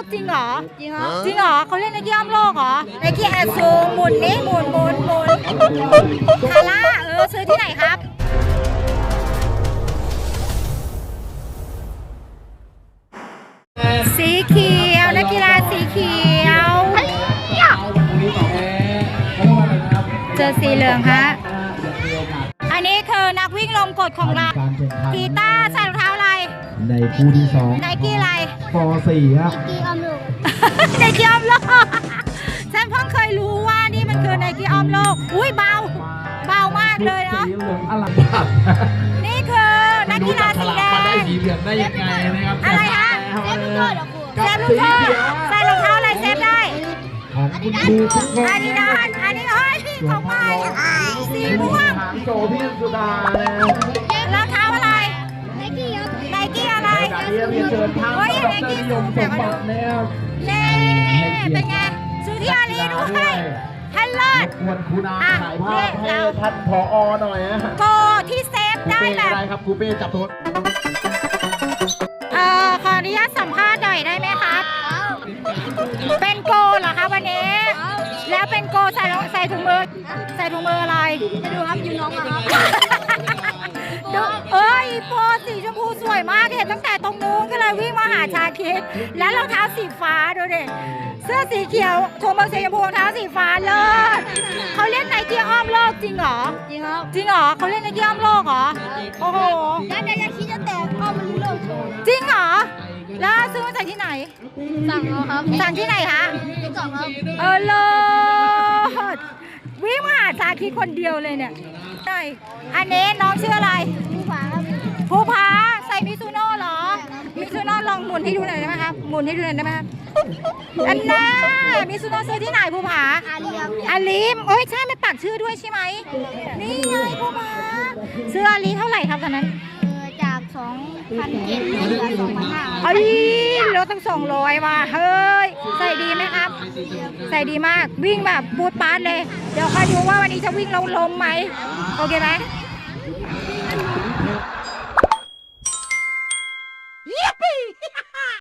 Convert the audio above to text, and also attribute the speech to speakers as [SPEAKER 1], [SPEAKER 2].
[SPEAKER 1] จริงเหรอจริงเหรอเขาเล่นไนกี้อ้อมโลกเหรอไนกี้แอร์ซูหมุนนี่หมุนคาร่าซื้อที่ไหนครับสีเขียวนักกีฬาสีเขียวเจอสีเหลืองฮะอันนี้คือนักวิ่งลมกดของเรากีตาร์ใส่รองเท้าอะไร
[SPEAKER 2] ในคู่ที่2
[SPEAKER 1] ไนกี้อะไร
[SPEAKER 2] ฟอร์4ครับ
[SPEAKER 1] ไนกี้อ้อมโลกฉันเพิ่งเคยรู้ว่านี่มันคือไนกี้อ้อมโลกอุ้ยเบามากเลยเนาะนี่คือนักกีฬาสีแดง
[SPEAKER 2] ได้สีเหลืองได้ยังไงนะครับ
[SPEAKER 1] อะไรฮะเซฟลูกโทษใส่รองเท้าอะไรเซฟได้อาดิดาสอันนี้พี่ของใหม่สีม่วง
[SPEAKER 2] โจพี่สุดาร
[SPEAKER 1] องเท้าอะไรไนกี้อะไร
[SPEAKER 2] เฮ้ยไนกี้สูงแต่มาดู
[SPEAKER 1] นี่เป็นไงซื้อที่อาลีด้วยฮัลโหล
[SPEAKER 2] ควรคุณอาถ่ายภาพให้ท่านผอหน่อยนะ
[SPEAKER 1] โกที่เซฟได้แบบ
[SPEAKER 2] อะไรครับครูเป้จับตัว
[SPEAKER 1] ขออนุญาตสัมภาษณ์หน่อยได้ไหมครับเป็นโกเหรอคะวันนี้แล้วเป็นโกใส่ถุงมืออะไรไปดูครับยืนน้องครับดูโพสีชมพูสวยมากเห็นตั้งแต่ตรงนู้นก็เลยวิ่งมาหาชาคิดแล้วรองเท้าสีฟ้าดูดิเสื้อสีเขียวถุงมือสีชมพูรองเท้าสีฟ้าเลยเขาเล่นไนกี้อ้อมโลกจริงเหรอจริงเหรอเขาเล่นไนกี้อ้อมโลกเหรอโอ้โหยังคิดจะแตกอ้อมมันโลกโชว์จริงเหรอแล้วซื้อมาจากที่ไหนสั่งเอาครับสั่งที่ไหนคะที่กล่องครับเลิศวิ่งมาหาชาคิดคนเดียวเลยเนี่ยใช่อันนี้น้องชื่ออะไรภูผาใส่มิซูโน่เหรอมิซูโน่ลองหมุนให้ดูหน่อยได้ไหมครับหมุนให้ดูหน่อยได้ไหมครับอันน่ามิซูโน่ซื้อที่ไหนภูผาอาลีมใช่ไม่ปักชื่อด้วยใช่ไหมนี่ไงภูผาซื้ออาลีเท่าไหร่ครับตอนนั้นจาก2,700เหลือ2,500ลดตั้ง200ว่ะเฮ้ยใส่ดีไหมครับใส่ดีมากวิ่งแบบปูดปาดเลยเดี๋ยวคอยดูว่าวันนี้จะวิ่งลงลมไหมโอเคไหม